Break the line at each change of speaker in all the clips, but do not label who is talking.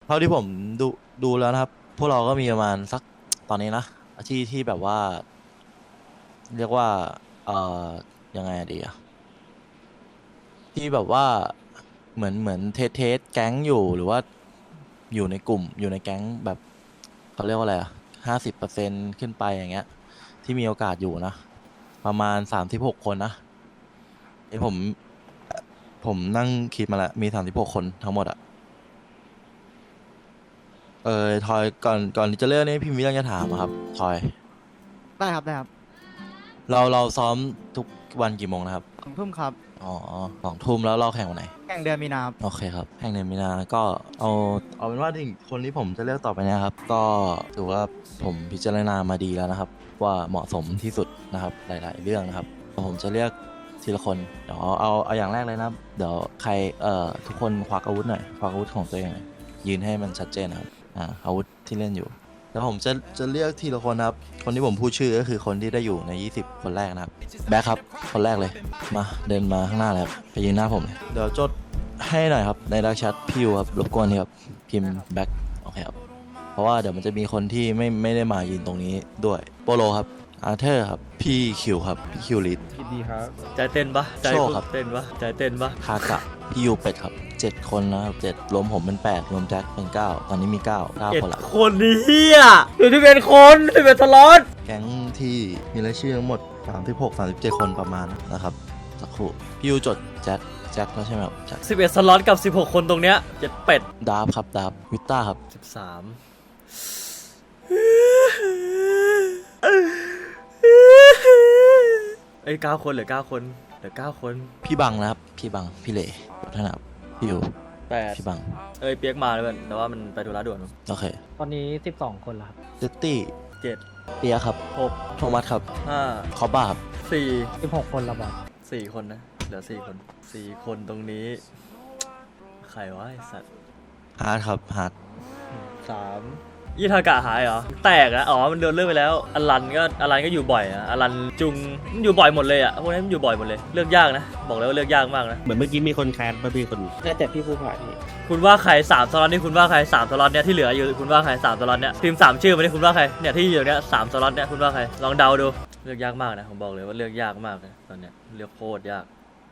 เท่าที่ผมดูแล้วนะครับพวกเราก็มีประมาณสักตอนนี้นะที่แบบว่าเรียกว่าเอ่อยังไงดีอะที่แบบว่าเหมือนเทสแก๊งอยู่หรือว่าอยู่ในกลุ่มอยู่ในแก๊งแบบเขาเรียกว่าอะไรอะ50%ขึ้นไปอย่างเงี้ยที่มีโอกาสอยู่นะประมาณ36 คนนะไอผมนั่งคิดมาแล้วมี36 คนทั้งหมดอะทอยก่อนที่จะเลือกนี่พี่มีเรื่องจะถามอะครับทอย
ได้ครับได้ครับ
เราซ้อมทุกวันกี่โมงนะครับ
2 ทุ่มครับ
อ๋อ2 ทุ่มแล้วเราแข่งวันไหน
แข่งเดือนมีนาครับ
โอเคครับแข่งเดือนมีนาก็เอาเป็นว่าถึงคนที่ผมจะเลือกต่อไปเนะครับก็ถือว่าผมพิจารณามาดีแล้วนะครับว่าเหมาะสมที่สุดนะครับหลายๆเรื่องนะครับผมจะเลือกทีละคนเดี๋ยวเอาอย่างแรกเลยนะครับเดี๋ยวใครทุกคนควักอาวุธหน่อยควักอาวุธของตัวเองหน่อยยืนให้มันชัดเจนนะครับอาวุธที่เล่นอยู่แล้วผมจะเลือกทีละคนนะครับคนที่ผมพูดชื่อก็คือคนที่ได้อยู่ใน20 คนแรกนะครับแบ็คครับคนแรกเลยมาเดินมาข้างหน้าเลยครับไปยืนหน้าผมเลยเดี๋ยวจดให้หน่อยครับในดักแชทพี่ยูครับรบกวนทีครับพิมพ์แบ็คโอเคครับเพราะว่าเดี๋ยวมันจะมีคนที่ไม่ได้มายืนตรงนี้ด้วยโปโลครับอาร์เธอร์ครับพี่คิวครับพี่คิวลิด
คิดดีครับ
ใจเต้นปะใจ
โชว์ครับ
เต้นปะใจเต้นปะ
คากะพี่ยูเป็ดครับ7 คนนะครับ7รวมผมเป็น8รวมแจ็คเป็น9ตอนนี้มี9 คนละ
คนนี้เฮียหรือที่เป็นคนที่เป็นสล็อต
แก๊งที่มีรายชื่อทั้งหมด36-37 คนประมาณนะครับสักครู่พี่ยูจดแจ็คแล้วใช่ไหมครับแจ็ค
11 สล็อตกับ 16 คนตรงเนี้ยเจ็ดเป็ด
ดาบครับดาบวิต้าครับ
13เอ้ย9 คนเหลือ 9 คนเหลือ 9 คน
พี่บังนะครับพี่บังพี่เหล่วัฒนาพี่ยู
8
พี่บัง
เอ้ยเปียกมาเลยเพื่อนแต่ว่ามันไปธุระด่วนมั้ง
โอเค
ตอนนี้12 คนแล้วครับ
เจตตี้
7
เปียครับ
6
โทมัสครับ
5
คอบ้าครับ
4
16 คนแล้วบอส
4 คนนะเหลือ4 คน4 คนตรงนี้ใครวะไอสัตว์
ฮาร์ดครับฮาร์ด
3ยี่ทากะหายเหรอแตกอะอ๋อมันโดนเลิกไปแล้วอลันก็อยู่บ่อยอะอลันจุงมันอยู่บ่อยหมดเลยอะพวกนี้มันอยู่บ่อยหมดเลยเลือกยากนะบอกเลยว่าเลือกยากมากนะ
เหมือนเมื่อกี้มีคนแคสมาพี่คน
น่าจะพี่ผู้ผ่านนี่
คุณว่าใคร3 สล็อตนี่คุณว่าใคร3 สล็อตเนี่ยที่เหลืออยู่คุณว่าใคร3 สล็อตเนี่ยพิมพ์3 ชื่อมาดิคุณว่าใครเนี่ยที่อยู่เนี่ย3 สล็อตเนี่ยคุณว่าใครลองเดาดูเลือกยากมากนะผมบอกเลยว่าเลือกยากมากนะตอนเนี้ยเลือกโคตรยาก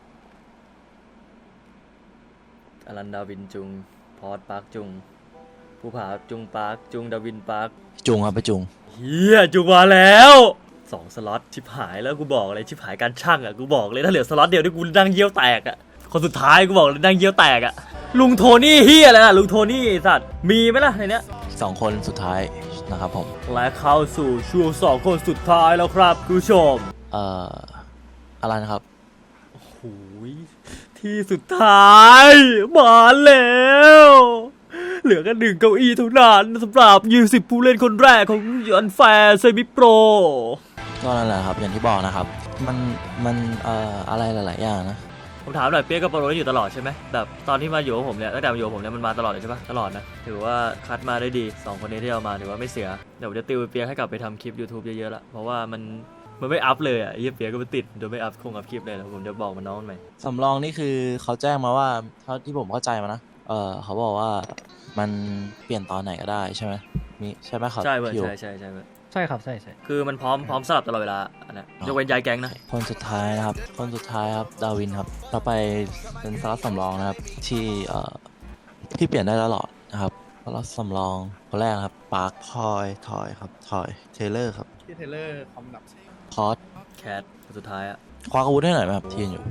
อลันดาวินจุงพอร์ตปาร์คจุงภูผาจุงปาร์คจุงดาวินปาร์ค
จุงครับไปจุง
เฮียจุงมาแล้ว2 สล็อตชิบหายแล้วกูบอกเลยชิบหายการช่างอ่ะกูบอกเลยถ้าเหลือสล็อตเดียวที่กูนั่งเยี่ยวแตกอ่ะคนสุดท้ายกูบอกเลยนั่งเยี่ยวแตกอ่ะลุงโทนี่เฮียอะไรนะลุงโทนี่ไอ้สัตว์มีไหมล่ะในเนี้ย
2 คนสุดท้ายนะครับผม
และเข้าสู่ช่วง2 คนสุดท้ายแล้วครับคุณผู้ชม
อะไรนะครับ
โอ้โหที่สุดท้ายมาแล้วเหลือแค่1 เก้าอี้เท่านั้นสำหรับ20 ผู้เล่นคนแรกของยันแฟร์เซมิโปร
ก็นั่นแหละครับอย่างที่บอกนะครับมันอะไรหลายๆอย่างนะ
ผมถามหน่อยเปียกกับโปรโรอยู่ตลอดใช่ไหมแบบตอนที่มาอยู่กับผมเนี่ยตั้งแต่มาอยู่กับผมเนี่ยมันมาตลอดเลยใช่ปะตลอดนะถือว่าคัดมาได้ดี2 คนนี้ที่เอามาถือว่าไม่เสียเดี๋ยวผมจะติวเปียกให้กลับไปทำคลิป YouTube เยอะๆละเพราะว่ามันไม่อัพเลยอ่ะไอ้เหี้ยเปียกก็ไม่ติดโดยไม่อัพคลิปเลยแล้วผมจะบอกมันน้องมันใหม่
สำรองนี่คือเขาแจ้งมาว่าเท่าที่ผมเข้าใจมานะเขาบอกว่ามันเปลี่ยนตอนไหนก็ได้ใช่ไหมมีใช่ไหมครับ
ใช่เว้ย
พี่อยู่
ใช่เว้ย
ใช่ครับใช่
คือมันพร้อมสลับตลอดเวลาอันนั้นยกเว้นย้ายแก๊งนะ
คนสุดท้ายนะครับคนสุดท้ายครับดาวินครับต่อไปเป็นสล็อตสำรองนะครับที่เปลี่ยนได้ตลอดนะครับสล็อตสำรองคนแรกนะครับปาร์คทอยครับทอยเทเลอร์ครับ
พี่เทเลอร์คอมดับ
คอส
แคทคนสุดท้ายอะ
คว้าอาวุธให้หน่อยไหมครับที่ยืนอยู่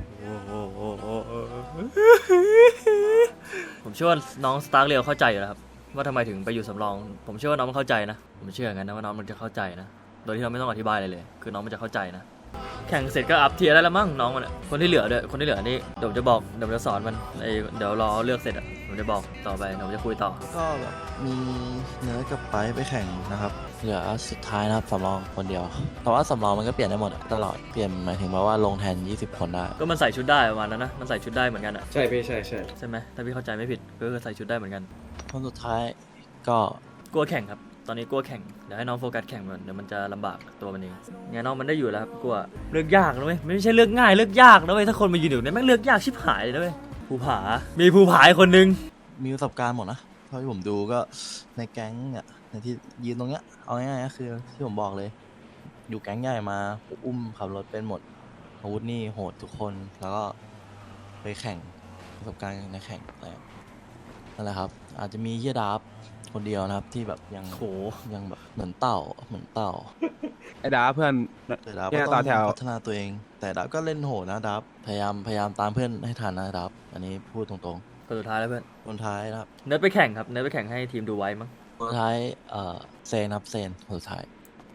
ผมเชื่อว่าน้องสตาร์เรียวเข้าใจอยู่แล้วครับว่าทำไมถึงไปอยู่สำรองผมเชื่อว่าน้องมันเข้าใจนะผมเชื่ออย่างนั้นนะว่าน้องมันจะเข้าใจนะโดยที่เราไม่ต้องอธิบายอะไรเลยคือน้องมันจะเข้าใจนะแข่งเสร็จก็อัพเทียร์ได้แล้วมั้งน้องมันอะคนที่เหลือด้วยคนที่เหลือนี่เดี๋ยวผมจะบอกเดี๋ยวผมจะสอนมันเดี๋ยวรอเลือกเสร็จอะผมจะบอกต่อไปเดี๋ยวผมจะคุยต่อ
ก็แบบมีเนื้อกับไปแข่งนะครับเหลือสุดท้ายนะครับสำรองคนเดียวแต่ว่าสำรองมันก็เปลี่ยนได้หมดอะตลอดเปลี่ยนหมายถึงว่าลงแทน20 คนได้
ก็มันใส่ชุดได้ประมาณนั้นนะมันใส่ชุดได้เหมือนกันอะ
ใช่พี่ใช่
ใช่ไหมถ้าพี่เข้าใจไม่ผิดก็คือใส่ชุดได้เหมือนกัน
คนสุดท้ายก็
กลัวแข่งครับตอนนี้กลัวแข่งเดี๋ยวให้น้องโฟกัสแข่งก่อนเดี๋ยวมันจะลำบากตัวมันเองไงน้องมันได้อยู่แล้วครับกลัวเลือกยากนะเว้ยไม่ใช่เลือกง่ายเลือกยากนะเว้ยถ้าคนมายืนอยู่เนี่ยแม่งเลือกยากชิบหายเลยนะเว้ยภูผามีภูผาอีกคนนึง
มีประสบการณ์หมดนะเท่าที่ผมดูก็ในแก๊งเนี่ยในที่ยืนตรงเนี้ยเอาง่ายๆก็คือที่ผมบอกเลย อยู่แก๊งใหญ่มาอุ้มขับรถเป็นหมดอาวุธนี่โหดทุกคนแล้วก็ไปแข่งประสบการณ์ในแข่งอะไรนั่นแหละครับ อาจจะมีเฮียดาบคนเดียวนะครับที่แบบยัง
โห
ยังแบบเหมือนเต่าเหมือนเต่า
ไอ้ดาเพื่อน
แต่ดับ
เนี่
ก็
ย
ต้
ต่
อ
อง แถว
พัฒนาตัวเอง แต่ดับก็เล่นโหดนะดับพยายามตามเพื่อนให้ทันนะดับอันนี้พูดตรง
คนสุดท้ายแล้วเพื่อน
ๆคนท้ายนะครับ
เนิร์ดไปแข่งครับ เนิร์ดไปแข่งให้ทีมดูไว้มั้ง
คนท้ายเซนครับเซนคนสุดท้าย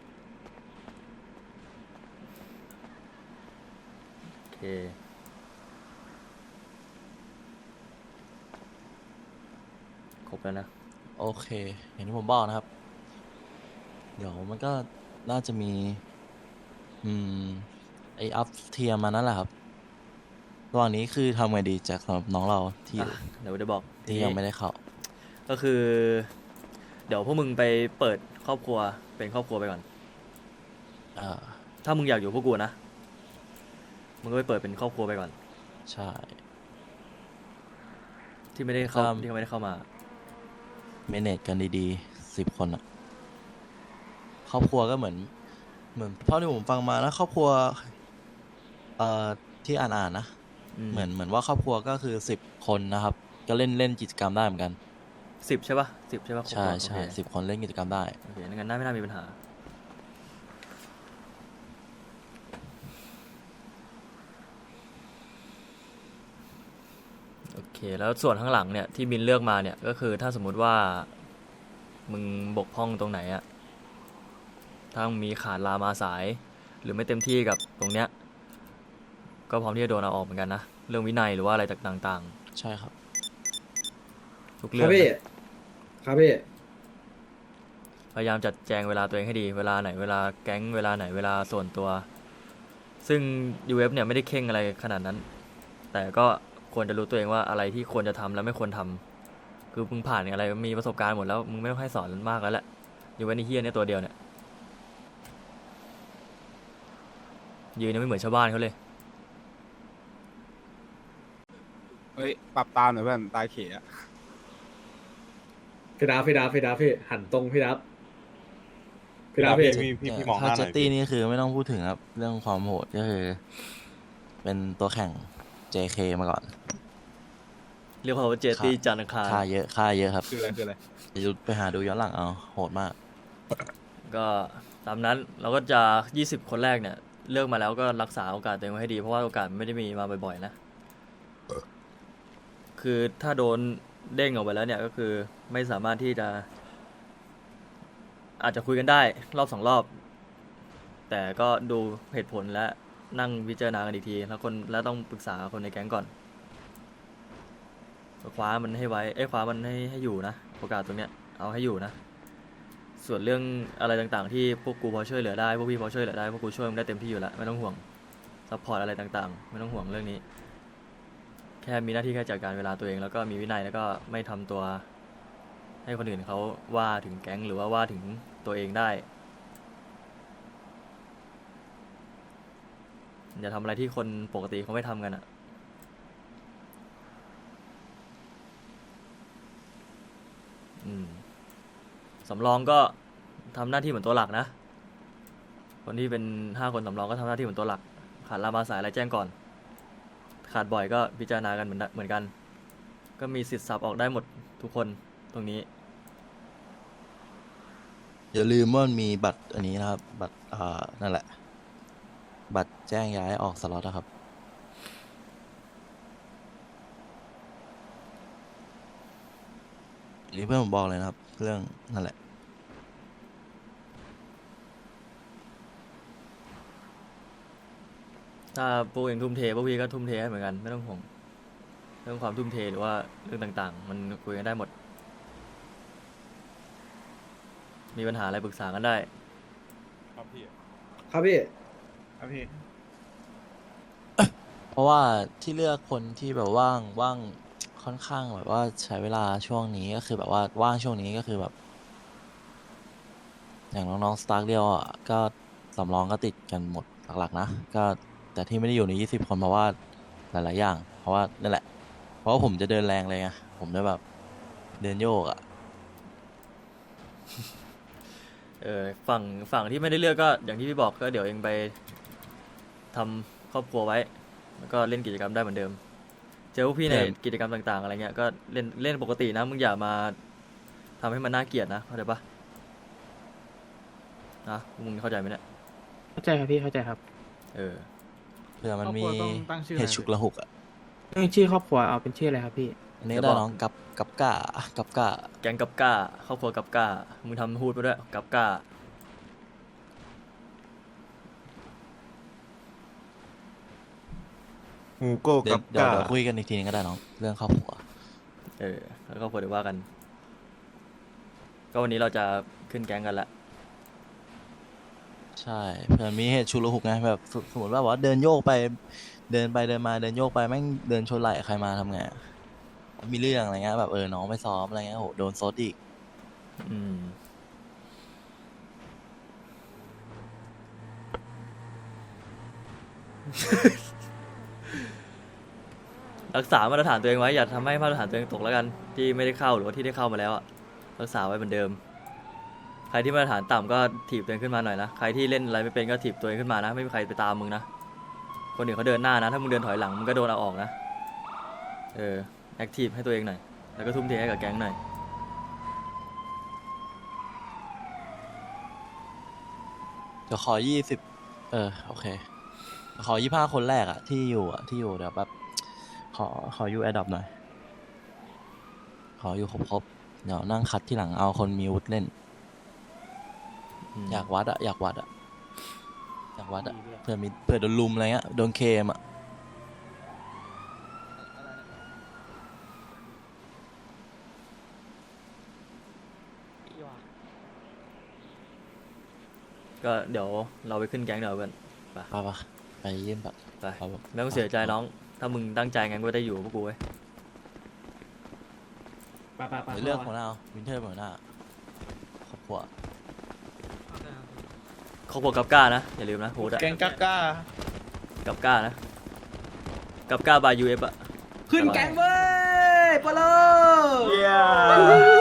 โอเค ครบแล้วนะ
โอเคอย่างที่ผมบอกนะครับ เดี๋ยวมันก็น่าจะมี ไออัพเทียมมานั่นแหละครับระหว่างนี้คือทำไงดีจากสำหรับน้องเราที่
อ่ะ เดี๋ยวจะบอก
ที่ยังไม่ได้เข้า
ก็คือ เดี๋ยวพวกมึงไปเปิดครอบครัวเป็นครอบครัวไปก่อน
อ่า
ถ้ามึงอยากอยู่พวกกูนะ มึงก็ไปเปิดเป็นครอบครัวไปก่อน
ใช่
ที่ไม่ได้เข้า
ครับ
ที่เขาไม่ได้เข้ามา
เมเนจกันดีๆ10 คนอะครอบครัวก็เหมือนเท่าที่ผมฟังมานะครอบครัวที่อ่านนะ เหมือนว่าครอบครัวก็คือ10 คนนะครับ ก็เล่นกิจกรรมได้เหมือนกัน
10 ใช่ปะ10 ใช่ปะครอบค
ใช่
รัว
ใช่
โอเค
10 คนเล่นกิจกรรมได้
โอเคงั้นน่าไม่น่ามีปัญหา โอเค แล้วส่วนข้างหลังเนี่ยที่มินเลือกมาเนี่ยก็คือถ้าสมมุติว่ามึงบกพร่องตรงไหนอะถ้ามึงมีขาดลามาสาย หรือไม่เต็มที่กับตรงเนี้ยก็พร้อมที่จะโดนเอาออกเหมือนกันนะ เรื่องวินัยหรือว่าอะไรต่าง
ใช่ครับ
ๆ ทุก
ค
เรื่
รั
อบ ง
พี่ ครับพี่
พยายามจัดแจงเวลาตัวเองให้ดี เวลาไหนเวลาแก๊งเวลาไหนเวลาส่วนตัว ซึ่ง UF เนี่ยไม่ได้เข่งอะไรขนาดนั้น แต่ก็ควรจะรู้ตัวเองว่าอะไรที่ควรจะทำและไม่ควรทำคือมึงผ่านอะไรมีประสบการณ์หมดแล้วมึงไม่ต้องให้สอนมากแล้วแหละอยู่ไว้ในเฮียเนี่ยตัวเดียวเนี่ยยืนยังไม่เหมือนชาวบ้านเขาเลย
เฮ้ย ปรับตามหน่อยเพื่อน ตาเขอะ
พี่ดับพี่หันตรงพี่ดับพี่ดับพี่
พี่มองห
ถ้า
น้าห
เจ
น่
ต
อย
ตี้นี่คือไม่ต้องพูดถึงครับ เรื่องความโหดก็คือ เป็นตัวแข่ง JK มาก่อน
เรียกว่าเจตี้จันทร์อังคาร
ค่าเยอะครับ
คืออะไรคืออะไร
ไปหาดูย้อนหลังเอาโหดมาก
ก็ตามนั้นเราก็จะ 20 คนแรกเนี่ยเลือกมาแล้วก็รักษาโอกาสตัวเองไว้ให้ดีเพราะว่าโอกาสมันไม่ได้มีมาบ่อยๆนะคือถ้าโดนเด้งออกไปแล้วเนี่ยก็คือไม่สามารถที่จะอาจจะคุยกันได้รอบ2 รอบ แต่ก็ดูเหตุผลและนั่งพิจารณากันอีกทีแล้วต้องปรึกษาคนในแก๊งก่อนคว้ามันให้ไว้คว้ามันให้อยู่นะโอกาสตรงเนี้ยเอาให้อยู่นะส่วนเรื่องอะไรต่างๆที่พวกกูพอช่วยเหลือได้พวกพี่พอช่วยเหลือได้พวกกูช่วยมึงได้เต็มที่อยู่แล้วไม่ต้องห่วงซัพพอร์ตอะไรต่างๆไม่ต้องห่วงเรื่องนี้แค่มีหน้าที่แค่จัดการเวลาตัวเองแล้วก็มีวินัยแล้วก็ไม่ทำตัวให้คนอื่นเขาว่าถึงแก๊งหรือว่าถึงตัวเองได้อย่าทำอะไรที่คนปกติเขาไม่ทำกันอะสำรองก็ทำหน้าที่เหมือนตัวหลักนะ คนที่เป็น5 คนสำรองก็ทำหน้าที่เหมือนตัวหลัก ขาดลามาสายอะไรแจ้งก่อน ขาดบ่อยก็พิจารณากันเหมือนกัน ก็มีสิทธิ์สับออกได้หมดทุกคนตรงนี้
อย่าลืมว่ามันมีบัตรอันนี้นะครับ บัตรนั่นแหละ บัตรแจ้งย้ายออกสล็อตนะครับ อันนี้เพื่อนผมบอกเลยนะครับ เรื่องนั่นแหละ
ถ้าพวกเองทุ่มเทพวกพี่ก็ทุ่มเทให้เหมือนกันไม่ต้องห่วงเรื่องความทุ่มเทหรือว่าเรื่องต่างๆ มันคุยกันได้หมด มีปัญหาอะไรปรึกษากันได้
ครับพี่
ครับพี่
ครับพี่
เพราะว่าที่เลือกคนที่แบบว่างค่อนข้างแบบว่าใช้เวลาช่วงนี้ก็คือแบบว่าว่างช่วงนี้ก็คือแบบ อย่างน้องๆสตาร์เรียวอ่ะก็สำรองก็ติดกันหมดหลักๆนะก็แต่ที่ไม่ได้อยู่ใน20 คนเพราะว่าหลายๆอย่าง เพราะว่านั่นแหละ เพราะว่าผมจะเดินแรงเลยไงผมจะแบบเดินโยกอ่ะ
ฝั่งที่ไม่ได้เลือกก็อย่างที่พี่บอกก็เดี๋ยวเองไปทำครอบครัวไว้ แล้วก็เล่นกิจกรรมได้เหมือนเดิม เจอพวกพี่ในกิจกรรมต่างๆอะไรเงี้ยก็เล่นปกตินะมึงอย่ามาทำให้มันน่าเกลียดนะเข้าใจปะนะมึงเข้าใจไหมเนี่ย
เข้าใจครับพี่เข้าใจครับ
เออ
เผื่อมันมี
ครอบครัวต้องตั้งชื่อ
เหตุฉุกละหุกอ่ะ
ชื่อครอบครัวเอาเป็นชื่ออะไรครับพี่
อันนี้
จะ
ได้
บอก
น้องกับก้า
แก๊งกับก้าครอบครัวกับก้ามึงทำพูดไปด้วยกับก้า
หูโก้
เดี๋ย
กั
ว
บ
เดี๋ยว
กา
เดี๋ยวคุยกันอีกทีนึงก็ได้น้องเรื่องครอบครัว
แล้วก็พอเดี๋ยวว่ากัน ก็วันนี้เราจะขึ้นแก๊งกันละ
ใช่เผื่อมีเหตุฉุกละหุกไงแบบสมมติว่าเดินโยกไปเดินมาเดินโยกไปแม่งเดินชนไหล่ใครมาทำไงอะมีเรื่องอะไรเงี้ยแบบน้องไม่ซ้อมอะไรเงี้ยโหโดนซดอีก
อืม รักษามาตรฐานตัวเองไว้อย่าทำให้มาตรฐานตัวเองตกแล้วกันที่ไม่ได้เข้าหรือว่าที่ได้เข้ามาแล้วอะรักษาไว้เหมือนเดิม ใครที่มาตรฐานต่ำก็ถีบตัวเองขึ้นมาหน่อยนะใครที่เล่นอะไรไม่เป็นก็ถีบตัวเองขึ้นมานะไม่มีใครไปตามมึงนะคนอื่นเขาเดินหน้านะถ้ามึงเดินถอยหลังมึงก็โดนเอาออกนะแอคทีฟให้ตัวเองหน่อยแล้วก็ทุ่มเทให้กับแก๊งหน่อย
เดี๋ยวขอโอเคขอ25 คนแรกอะที่อยู่เดี๋ยวแบบขออยู่แอดดอปหน่อยขออยู่ครบเดี๋ยวนั่งคัดที่หลังเอาคนมีวุฒิเล่น อยากวัดอะเผื่อโดนลุมอะไรเงี้ยโดนเคมอะ
ก็เดี๋ยวเราไปขึ้นแก๊งเดี๋ยวเพื่อน
ไปเยี่ยมแบบ
ไป
ครับผม
ไม่ต้องเสียใจน้อง ถ้ามึงตั้งใจงั้นก็ได้อยู่กับพวกกูเว้ย
ไปไปไป
เลือกหัวหน้าวินเทอร์หัวหน้าครอบครัว
ครอบครัวกับก้านะอย่าลืมนะโฮดอะ
แกงกักก้า
กับก้านะกับก้าบายยูเอฟอะ
ขึ้นแก๊งเว้ยปะโล
เย้